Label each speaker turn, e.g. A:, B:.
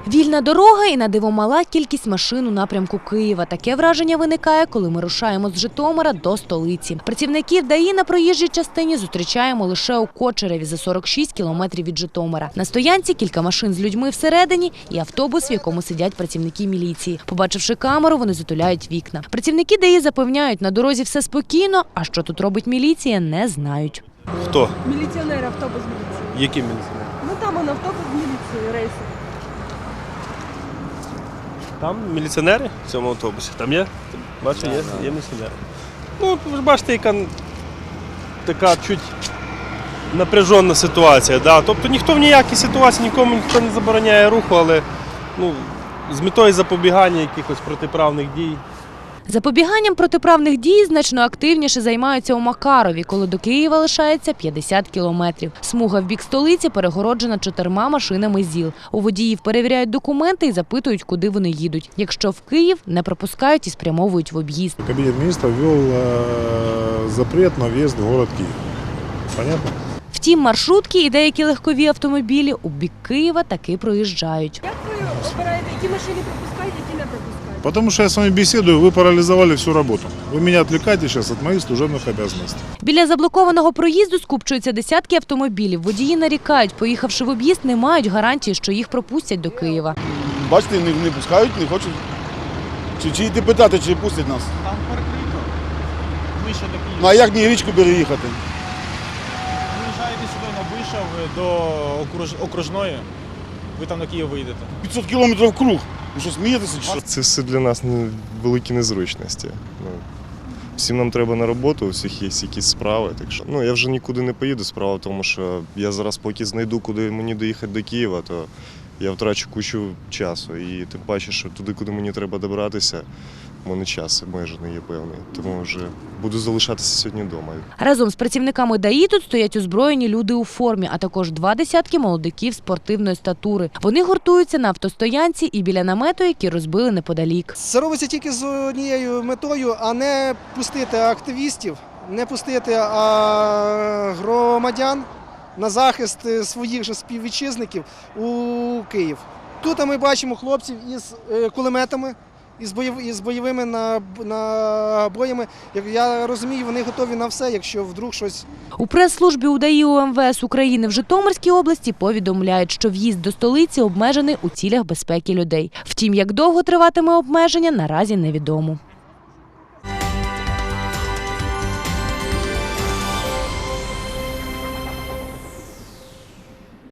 A: Вільна дорога і на диво мала кількість машин у напрямку Києва. Таке враження виникає, коли ми рушаємо з Житомира до столиці. Працівників ДАІ на проїжджій частині зустрічаємо лише у Кочереві за 46 кілометрів від Житомира. На стоянці кілька машин з людьми всередині і автобус, в якому сидять працівники міліції. Побачивши камеру, вони затуляють вікна. Працівники ДАІ запевняють, на дорозі все спокійно, а що тут робить міліція, не знають.
B: Хто?
C: Міліціонер, автобус міліції.
B: Які міліціонери?
C: Ну там он автобус міліції, рейси.
B: Там міліціонери в цьому автобусі. Там є? Бачите, є міліціонери. Ну, ви ж бачите, яка така чуть напряжена ситуація. Да? Тобто ніхто в ніякій ситуації, нікому ніхто не забороняє руху, але з метою запобігання якихось протиправних дій.
A: Запобіганням протиправних дій значно активніше займаються у Макарові, коли до Києва лишається 50 кілометрів. Смуга в бік столиці перегороджена 4 машинами ЗІЛ. У водіїв перевіряють документи і запитують, куди вони їдуть. Якщо в Київ, не пропускають і спрямовують в об'їзд.
D: Кабінет міністрів ввів запрет на в'їзд в город Київ. Понятно?
A: Втім, маршрутки і деякі легкові автомобілі у бік Києва таки проїжджають.
C: Як ви обираєте, які машини пропускають, які не пропускають?
D: Потому что я с вами беседую, вы парализовали всю работу. Вы меня отвлекаете сейчас от моих служебных обязанностей.
A: Біля заблокованого проїзду скупчуються десятки автомобілів. Водії нарікають, поїхавши в об'їзд, не мають гарантії, що їх пропустять до Києва.
E: Бачите, не пускають, не хочуть. Чи йти питати, чи пустять нас?
F: Там перекрито. Вище до Києва.
E: Ну а як мені річку переїхати?
F: Виїжджаєте сюди на Вишав до окружної, ви там на Київ вийдете.
E: 500 кілометрів круг. Ви що, смієтеся чи що?
G: Це все для нас великі незручності. Всім нам треба на роботу, у всіх є якісь справи. Так що, я вже нікуди не поїду. Справа в тому, що я зараз поки знайду, куди мені доїхати до Києва, то я втрачу кучу часу. І тим паче, що туди, куди мені треба добиратися, в мене час обмежений є певний. Тому вже буду залишатися сьогодні вдома.
A: Разом з працівниками ДАІ тут стоять озброєні люди у формі, а також 20 молодиків спортивної статури. Вони гуртуються на автостоянці і біля намету, які розбили неподалік.
H: Це робиться тільки з однією метою, а не пустити активістів, не пустити громадян на захист своїх же співвітчизників у Київ. Тут ми бачимо хлопців із кулеметами, із бойовими набоями. Як я розумію, вони готові на все, якщо вдруг щось.
A: У прес-службі УДАІ УМВС України в Житомирській області повідомляють, що в'їзд до столиці обмежений у цілях безпеки людей. Втім, як довго триватиме обмеження, наразі невідомо.